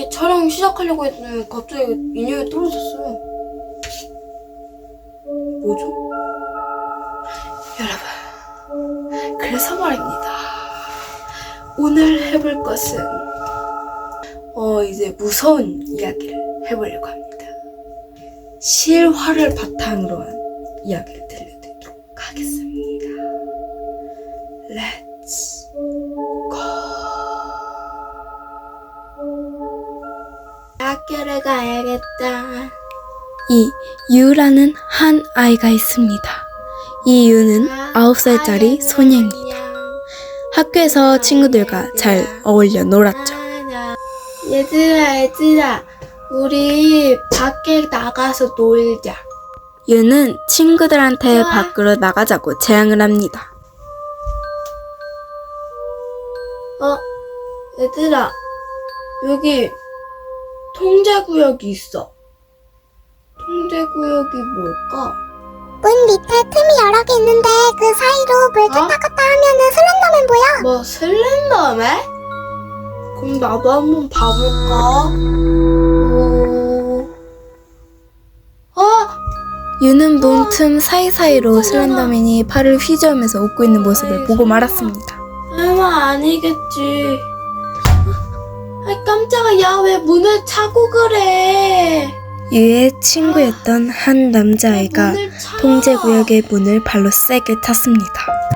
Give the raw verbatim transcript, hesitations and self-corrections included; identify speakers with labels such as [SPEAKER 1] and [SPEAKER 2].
[SPEAKER 1] 아니 촬영 시작하려고 했더니 갑자기 인형이 떨어졌어요. 뭐죠? 여러분, 그래서 말입니다. 오늘 해볼 것은 어 이제 무서운 이야기를 해보려고 합니다. 실화를 바탕으로 한 이야기를 들려드리도록 하겠습니다. Let's go. 학교를 가야겠다. 이 유라는 한 아이가 있습니다. 이 유는 아홉 살짜리 소녀입니다. 학교에서 친구들과 잘 어울려 놀았죠. 얘들아 얘들아 우리 밖에 나가서 놀자. 유는 친구들한테 밖으로 나가자고 제안을 합니다. 어? 얘들아 여기 통제구역이 있어. 통제구역이 뭘까?
[SPEAKER 2] 문 밑에 틈이 여러 개 있는데 그 사이로 물
[SPEAKER 1] 어?
[SPEAKER 2] tus다 갔다 하면은 슬렌더맨 보여.
[SPEAKER 1] 뭐 슬렌더맨? 그럼 나도 한번 봐볼까? 오... 어? 유는 문틈 사이사이로 슬렌더맨이 팔을 휘저으면서 웃고 있는 모습을 보고 말았습니다. 설마 아니겠지. 아 깜짝아, 야 왜 문을 차고 그래. 유의 친구였던 한 남자아이가 통제구역의 문을 발로 세게 찼습니다.